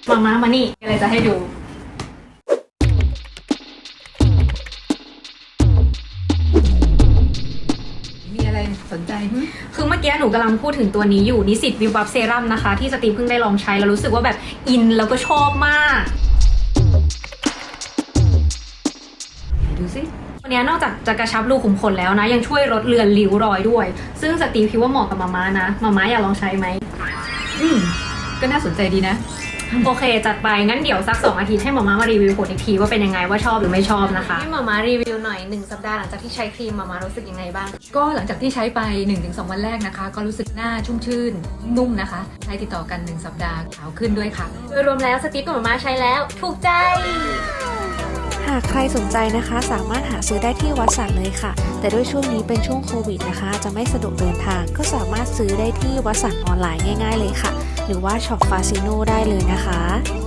มานี่อะไรจะให้ดูมีอะไรสนใจคือเมื่อกี้หนูกำลังพูดถึงตัวนี้อยู่นิสิตวิบวับเซรั่มนะคะที่สตีฟเพิ่งได้ลองใช้แล้วรู้สึกว่าแบบอินแล้วก็ชอบมากดูสิตัวนี้นอกจากจะกระชับรูขุมขนแล้วนะยังช่วยลดเลือนริ้วรอยด้วยซึ่งสตีฟคิดว่าเหมาะกับมานะมาอยากลองใช้ไหมก็น่าสนใจดีนะโอเคจัดไปงั้นเดี๋ยวสัก2 อาทิตย์ให้มารีวิวผลอีกทีว่าเป็นยังไงว่าชอบหรือไม่ชอบนะคะให้มารีวิวหน่อย1 สัปดาห์หลังจากที่ใช้ครีมมารู้สึกยังไงบ้างก็หลังจากที่ใช้ไป 1-2 วันแรกนะคะก็รู้สึกหน้าชุ่มชื่นนุ่มนะคะใช้ติดต่อกัน1 สัปดาห์ขาวขึ้นด้วยค่ะโดยรวมแล้วสตีฟกับมาใช้แล้วถูกใจหากใครสนใจนะคะสามารถหาซื้อได้ที่วัดสันเลยค่ะแต่ด้วยช่วงนี้เป็นช่วงโควิดนะคะจะไม่สะดวกเดินทางก็สามารถซื้อได้ที่วัดสันออนไลน์ง่ายๆเลยค่ะหรือว่าช็อปฟาซิโนได้เลยนะคะ